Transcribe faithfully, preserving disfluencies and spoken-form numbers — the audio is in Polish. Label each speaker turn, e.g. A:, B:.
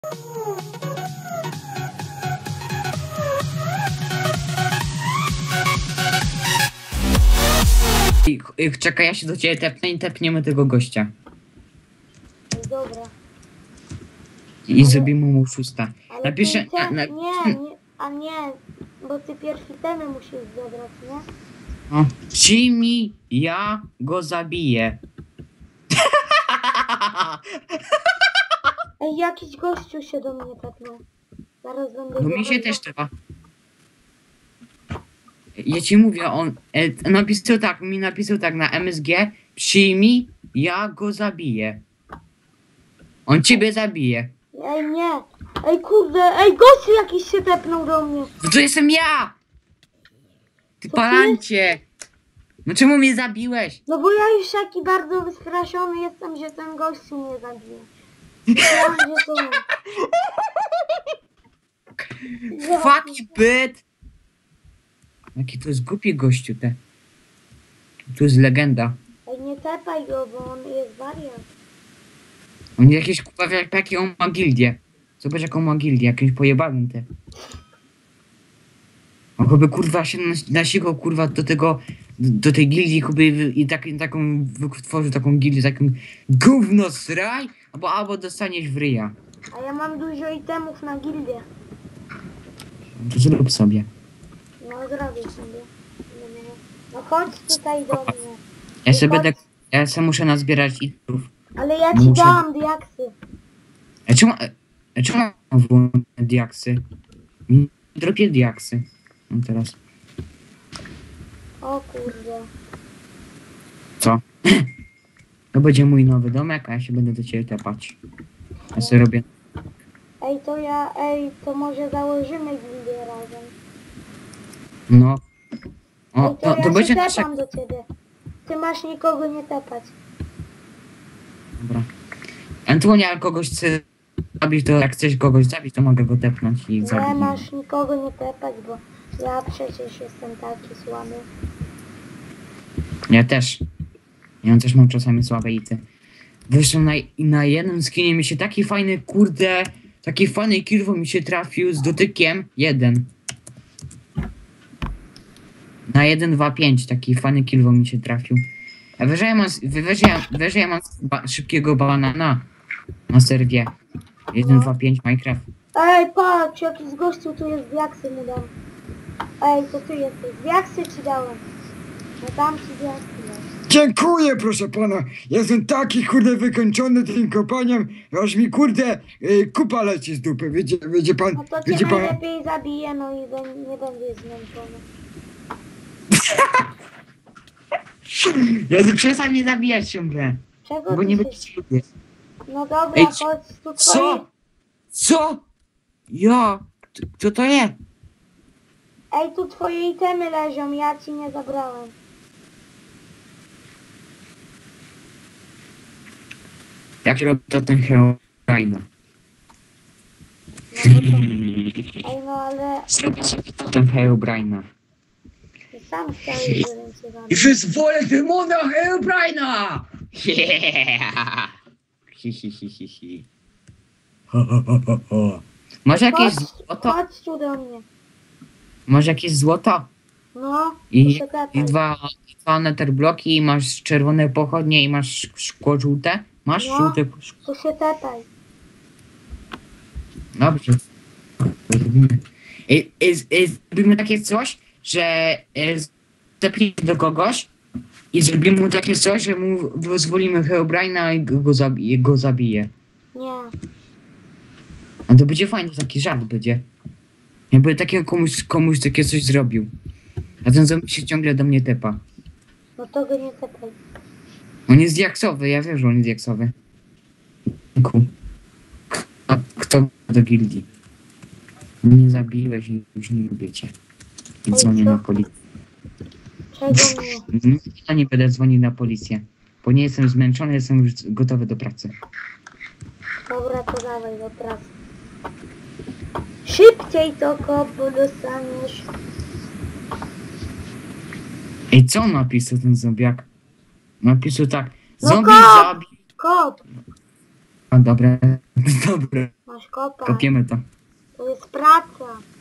A: I, czekaj, ja się do ciebie tepnę i tepniemy tego gościa.
B: Dobra.
A: I ale... zrobimy mu szósta.
B: Ale
A: Napiszę...
B: Te...
A: Na, na...
B: Nie, nie, a nie, bo ty pierwszy temy musisz zabrać, nie?
A: O, Jimmy, ja go zabiję.
B: Ej, jakiś gościu się do mnie tepnął. Zaraz będę...
A: No mi się też trzeba. Ja ci mówię, on e, napisał tak, mi napisał tak na M S G. Przyjmij, ja go zabiję. On ciebie zabije.
B: Ej, nie. Ej, kurde, ej, gościu jakiś się tepnął do mnie.
A: No to jestem ja! Ty
B: To
A: palancie! No czemu mnie zabiłeś?
B: No bo ja już taki bardzo wystraszony jestem, że ten gościu mnie zabije. Myślałam, że to...
A: Fuck you, bit! Jaki to jest głupi gościu, te. To jest legenda.
B: Ej, nie tepaj go, bo on jest wariat.
A: On jakieś kurwa, jakie on ma gildię. Zobacz jaką ma gildię, jakimś pojebanym te. On chyba kurwa się nasikał kurwa do tego, do tej gildii chyba i tak, taką wytworzył taką gildię, taką gówno sraj, albo, albo dostaniesz w ryja.
B: A ja mam dużo itemów na gildię.
A: To zrób sobie.
B: No zrobię sobie. No chodź tutaj do mnie.
A: Ja sobie będę, ja sobie muszę nazbierać itów.
B: Ale ja ci
A: muszę...
B: dałam diaksy.
A: A czemu, a czemu mam włączone diaksy? Nie dropię diaksy. No teraz.
B: O kurde.
A: Co? To będzie mój nowy domek, a ja się będę do ciebie tepać. Ja sobie robię.
B: Ej, to ja, ej, to może założymy gildię razem.
A: No. O,
B: Ej, to,
A: to,
B: ja
A: to
B: się
A: będzie
B: tepam
A: nasza...
B: do ciebie. Ty masz nikogo nie tepać.
A: Dobra. Antonia, jak kogoś chce zabić, to jak chcesz kogoś zabić, to mogę go tepnąć i
B: Nie
A: zabić.
B: masz nikogo nie tepać, bo ja przecież jestem taki słaby.
A: Ja też. Ja też mam czasami słabe ity. Zresztą na, na jednym skinie mi się taki fajny, kurde, taki fajny kilwo mi się trafił z dotykiem. Jeden. Na jeden, dwa, pięć taki fajny kilwo mi się trafił. A wyżej ja mam, wyżej ja, wyżej ja mam ba, szybkiego banana na serwie. jeden, dwa, pięć Minecraft.
B: Ej, patrz, jakiś gościu tu jest, diaksy mu dam. Ej, to ty jesteś. Diaksy ci dałem. No dam ci diaksy.
C: Dziękuję, proszę pana. Jestem taki kurde wykończony tym kopaniem, aż mi kurde y, kupa leci z dupy. Wiecie, wiecie pan,
B: No to cię
C: wiecie pan.
B: najlepiej zabiję, no i be, nie będziesz zmęczony.
A: Ja przestań mnie zabijać ciągle.
B: Czego
A: Bo
B: ty
A: nie
B: się...
A: będziesz lubię.
B: No dobra,
A: Ej,
B: chodź tu twoje...
A: Co? Co? Ja? Kto, kto to jest?
B: Ej, tu twoje itemy leżą, ja ci nie zabrałem.
A: Jak się robi to ten Herobrine?
B: No, no to... Ej, no ale...
A: Zrobię sobie to ten Herobrine.
B: Ty sam chciałeś, żebym cię zabrał.
A: I wyzwolę demona Herobrine'a! Yeah! Hi, hi, hi, hi, hi. Ho, ho, ho, ho, ho. Może jakieś
B: Chodź,
A: złoto?
B: chodź tu do mnie.
A: Może jakieś złoto?
B: No,
A: I,
B: to się
A: i dwa, dwa netherbloki, i masz czerwone pochodnie, i masz szkło żółte? Masz
B: No.
A: żółte szkło?
B: To się tepaj.
A: Dobrze. Zrobimy. I, i, i zrobimy takie coś, że zepnijmy do kogoś i zrobimy mu takie coś, że mu pozwolimy Herobrine'a i go, go, zabije, go zabije.
B: Nie.
A: A to będzie fajny, taki żart będzie. Jakby takiego komuś, komuś takie coś zrobił. A ten zombie się ciągle do mnie tepa.
B: No to go nie tepaj.
A: On jest diaksowy, ja wiem, że on jest diaksowy. Ku. A kto do gildii? Nie zabiłeś i już nie lubię cię. I
B: Ej,
A: dzwonię
B: co?
A: na policję.
B: Czego nie?
A: Ja nie będę dzwonił na policję. Bo nie jestem zmęczony, jestem już gotowy do pracy.
B: Dobra, to dawaj do pracy. Szybciej to kop, bo dostaniesz.
A: Ej, co on napisał, ten zombiak? Napisał tak.
B: No
A: Zombie
B: kop!
A: zabił.
B: Kop!
A: A dobra, dobra.
B: Masz Masz kopać.
A: Kopiemy to.
B: To jest praca.